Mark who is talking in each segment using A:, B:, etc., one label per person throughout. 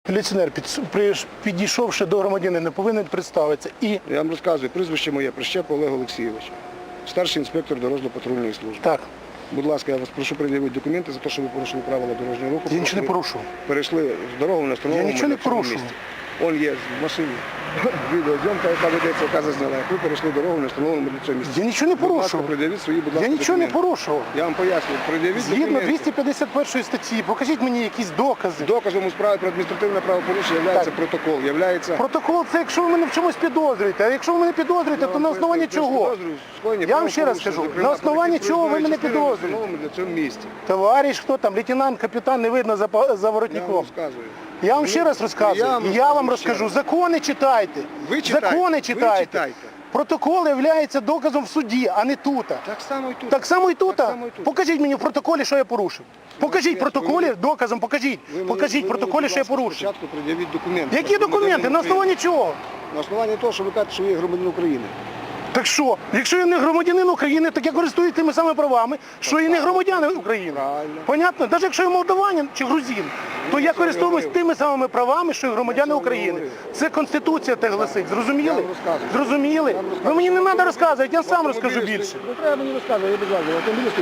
A: Міліціонер, підійшовши до громадянина, повинен представитися. І...
B: Я вам розказую, прізвище моє, Прищеп Олег Олексійович, старший інспектор дорожньо-патрульної служби.
A: Так.
B: Будь ласка, я вас прошу пред'явити документи за те, що ви порушили правила дорожнього руху.
A: Я нічого не порушував.
B: Перейшли з дорогу на встановленому.
A: Я нічого не порушував.
B: Он є в машині. Відеозйомка, яка ведеться, яка зазняла. Як ви перейшли дорогу на встановленому для цього місці.
A: Я нічого не порушував.
B: Пред'явіть свої, будь ласка,
A: Я нічого не
B: документи.
A: порушував.
B: Я вам пояснюю, пред'явіть
A: Згідно
B: документи.
A: 251 статті, покажіть мені якісь докази.
B: Доказом у справі про адміністративне правопорушення є протокол.
A: Протокол – це якщо ви мене в чомусь підозрюєте. А якщо ви мене підозрюєте, то на основанні чого? Я вам ще раз кажу, на основанні чого ви мене підозрюєте?
B: Для цього місці.
A: Товариш, хто там, лейтенант, капітан, не видно за
B: Я вам
A: воротником.
B: розказую.
A: Я вам ще раз розказую. Я вам розкажу. Закони читайте.
B: Ви читайте.
A: Закони читайте.
B: Ви читайте.
A: Протокол є доказом в суді, а не тут.
B: Так само і тут.
A: Так само і тут?
B: Так само і тут.
A: Покажіть мені в протоколі, що я порушив. Покажіть в протоколі, доказом покажіть. Покажіть в протоколі, що я порушив.
B: Спочатку пред'явіть документи.
A: Які документи? На основанні чого?
B: На основанні того, що ви кажете, що ви є громадянин України.
A: Так що? Якщо я не громадянин України, так я користуюсь тими самими правами, що і не громадянин України.
B: Правильно.
A: Понятно? Навіть якщо я молдаванин чи грузин, то я користуюсь тими самими правами, що і громадяни України. Це Конституція так гласить. Зрозуміли? Зрозуміли? Ви мені не треба розказувати, я сам розкажу більше.
B: Не треба мені розказувати, я без вас.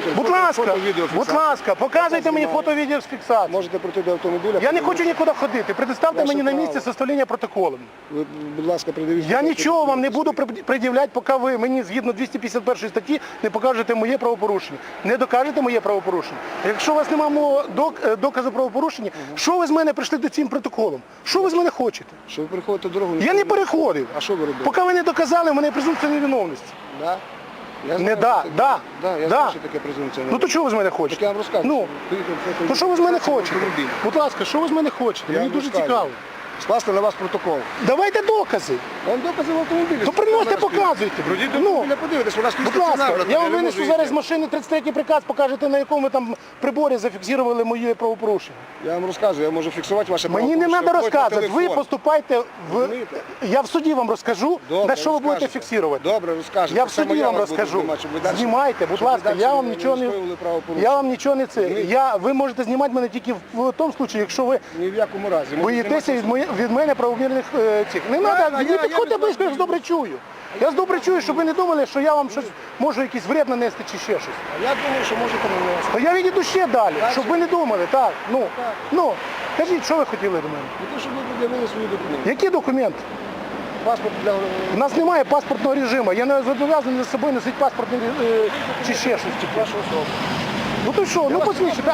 A: Будь ласка, показуйте мені фото-відеофіксацію.
B: Можете пройти до автомобіля.
A: Я не хочу нікуди ходити. Предоставте мені на місці составлення протоколу.
B: Ви, будь ласка, пред'явіть.
A: Я нічого вам не буду пред'являти, поки ви мені згідно 251 статті не покажете моє правопорушення. Не докажете моє правопорушення. Якщо у вас немає доказу правопорушення, що ви з мене прийшли до цим протоколом? Що ви з мене хочете?
B: Що ви переходите дорогу?
A: Я не переходив.
B: А що ви робите?
A: Поки ви не доказали, в мене презумпція невиновності.
B: Да? Я
A: Не
B: знаю,
A: да.
B: я знаю, що таке презумпція.
A: Ну то що ви з мене
B: Так
A: хочете?
B: я вам розказую.
A: Ну, то що ви з мене хочете? Будь ласка, що ви з мене хочете? Мені дуже цікаво.
B: Скласти на вас протокол.
A: Давайте докази.
B: Вам докази в автомобілі.
A: То приносите, показуйте.
B: Пройдіть до
A: Ну,
B: автомобіля, подивитесь, вона стоїть
A: будь ласка,
B: стаціонарно,
A: я вам
B: не
A: винесу
B: можу
A: зараз з
B: йти.
A: машини 33-й приказ, покажете, на якому там приборі зафіксували моє правопорушення.
B: Я вам розказую, я можу фіксувати ваше
A: Мені не
B: правопорушення.
A: треба
B: Виходьте на
A: розказувати, ви
B: телефон.
A: поступайте
B: Розумієте?
A: Я в суді вам розкажу,
B: Добре,
A: на що ви будете
B: розкажете.
A: фіксувати.
B: Добре, розкажете.
A: Я в
B: Саме
A: суді вам
B: вас буду
A: розкажу.
B: знімати, щоб ви далі-
A: Знімайте, будь
B: щоб ви
A: ласка,
B: далі
A: я вам
B: не
A: нічого не...
B: скоювали правопорушення.
A: Я вам нічого не це. Ви можете знімати мене тільки в тому випадку, якщо ви
B: Ні в якому разі.
A: боїтеся від мене правомірних цих. Не треба, не підходьте близько, я ж добре чую. Я ж добре чую, щоб ви не думали, що я вам щось можу якийсь вред нанести чи ще щось.
B: А я думаю, що можете нанести.
A: То я відійду ще далі, щоб ви не думали. Так, ну, кажіть, що ви хотіли до мене?
B: Не те, щоб ви пред'явили свої документи.
A: Які документи?
B: Паспорт для...
A: У нас немає паспортного режиму. Я не зобов'язаний за собою носити паспортний чи ще щось.
B: Вашу особу.
A: Ну то що, ну посвідчите.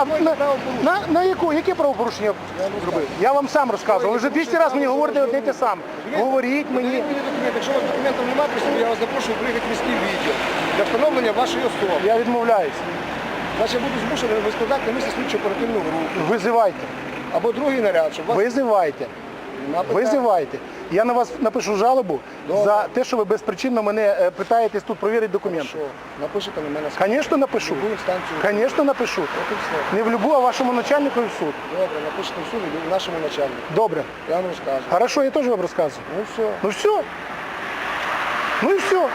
A: Яке правопорушення зробив? Я вам сам розказував. Ви вже 200 разів мені говорите одне й те саме. Говоріть мені.
B: Мені документи. Якщо у вас документів немає при собі, я вас запрошую приїхати в міський відділ для встановлення вашої особи.
A: Я відмовляюся.
B: Значить, я буду змушений викладати на місці слідчо оперативну групу.
A: Визивайте.
B: Або другий наряд, щоб вас...
A: Визивайте. Визивайте. Я на вас напишу жалобу за те, що ви безпричинно мене питаєтесь тут перевірити документи.
B: Що? Напишете на мене?
A: Звісно, напишу.
B: В любу інстанцію?
A: Звісно, напишу.
B: От і все.
A: Не в любу, а вашому начальнику і в суд.
B: Добре, напишете в суд і нашому начальнику.
A: Добре.
B: Я вам розкажу.
A: Хорошо, я теж вам розказую.
B: Ну все.
A: Ну все. Ну і все.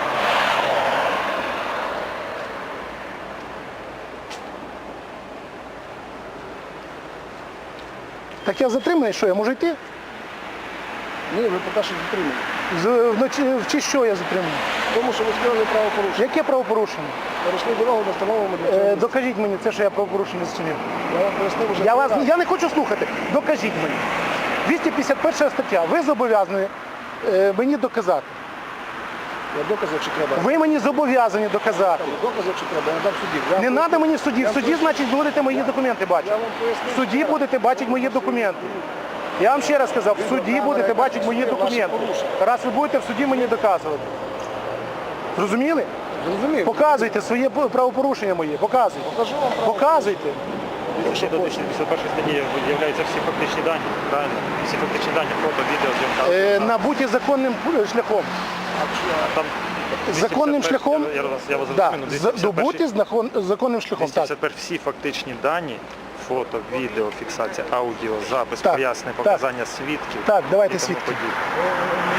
A: Так я затриманий, що я можу йти?
B: Ні, ви поки що затримані.
A: Вночі в чи що я затриманий?
B: Тому що ви скрили правопорушення.
A: Яке правопорушення?
B: Перейшли дорогу на встановленому для цього.
A: Докажіть мені це, що я правопорушення зчинив.
B: Я вам пояснив уже.
A: Я не хочу слухати. Докажіть мені. 251 стаття. Ви зобов'язані мені доказати.
B: Я докази, чи треба.
A: Ви мені зобов'язані доказати.
B: Докази, чи треба, я дам суді.
A: Не треба мені в суді. В суді, значить, будете мої документи бачити. В суді будете бачити мої документи. Я вам ще раз сказав, в суді будете бачити мої документи. Раз ви будете в суді мені доказувати. Зрозуміли?
B: Зрозумів.
A: Показуйте своє правопорушення моє. Показуйте.
B: Покажу вам право.
A: Показуйте.
C: Ще до 251 статті з'являються всі фактичні дані, правильно? Всі фактичні дані, фото, відео, зйомка.
A: Набуті законним шляхом.
C: Там
A: Законним
C: 251,
A: шляхом,
C: я вас
A: да,
C: зрозумів, 251,
A: добуті законним шляхом. Так.
C: 251 всі фактичні дані, фото, відео, фіксація, аудіо, запис,
A: Так,
C: пояснення,
A: так.
C: показання свідків.
A: Так, давайте
C: і тому
A: свідків.
C: подібне.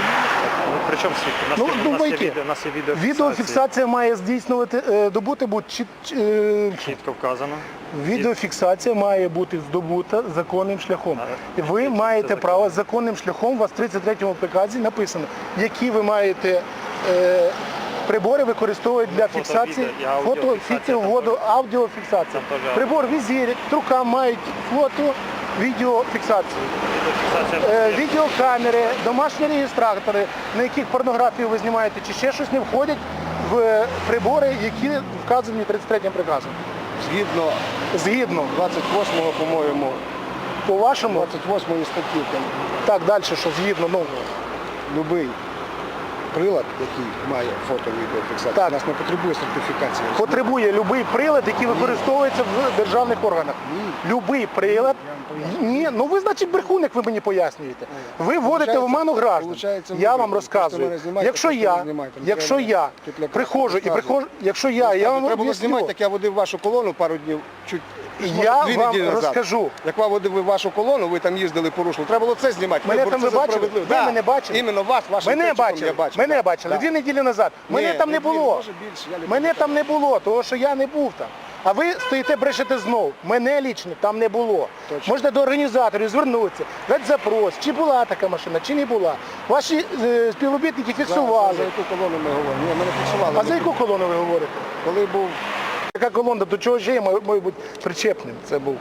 C: Ну, причому свідки? У нас,
A: Ну,
C: є, у нас,
A: думайте,
C: є, відео, у нас є відеофіксація.
A: Відеофіксація має добути бути
C: Чітко вказано.
A: відеофіксація має бути здобута законним шляхом. Ви маєте право законним шляхом, у вас в 33-му приказі написано, які ви маєте прибори використовують для фіксації, аудіофіксації.
C: Там теж
A: Прибор візір, рука мають фото, відеофіксацію.
C: Відеофіксація.
A: Відеокамери, домашні реєстратори, на яких порнографію ви знімаєте, чи ще щось не входять в прибори, які вказані 33-м приказом. Згідно,
B: 28-го, по-моєму,
A: по вашому,
B: 28-ї статті, там,
A: так, далі, що згідно, ну,
B: любий прилад, який має фото-відеофіксацію,
A: Так.
B: у нас не потребує сертифікації.
A: потребує будь-який прилад, який використовується в державних органах. Будь-який прилад. Ні, ну ви, значить, брехун, як ви мені пояснюєте. Ви вводите в оману граждан.
B: Получається,
A: Я
B: ви
A: вам
B: просто
A: розказую.
B: мене знімаєте,
A: Якщо
B: просто
A: я,
B: не знімайте.
A: якщо я
B: Тут лякати,
A: приходжу і
B: розказую.
A: я вам
B: Треба було
A: об'ясню.
B: знімати, так я водив вашу колону пару днів, чуть
A: Я
B: дві
A: вам
B: неділі назад.
A: розкажу.
B: Як ви водив вашу колону, ви там їздили, порушили. Треба було це знімати.
A: Мене
B: Вибор,
A: там
B: це
A: ви
B: за
A: бачили?
B: справедливо.
A: Ви
B: Да.
A: мене бачили?
B: Іменно вас, вашим
A: Мене
B: течиком
A: бачили,
B: я бачив.
A: мене
B: Да.
A: бачили
B: Да.
A: 2 неділі назад. Мене
B: Ні,
A: там не
B: дві,
A: було.
B: може більше, я не
A: Мене
B: пам'ятаю.
A: там не було, тому що я не був там. А ви стоїте, брешете знов. Мене лічно там не було.
B: Точно.
A: Можете до організаторів звернутися, дати запрос, чи була така машина, чи не була. Ваші співробітники фіксували.
B: За яку колону ми говоримо? Ні, ми не фіксували.
A: А за яку колону ви говорите?
B: Коли був
A: Яка колона, до чого ще має бути причепним?
B: Це був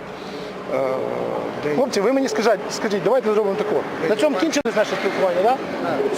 B: день.
A: Хлопці, ви мені скажіть, давайте зробимо таке. На цьому кінчилось наше спілкування, так?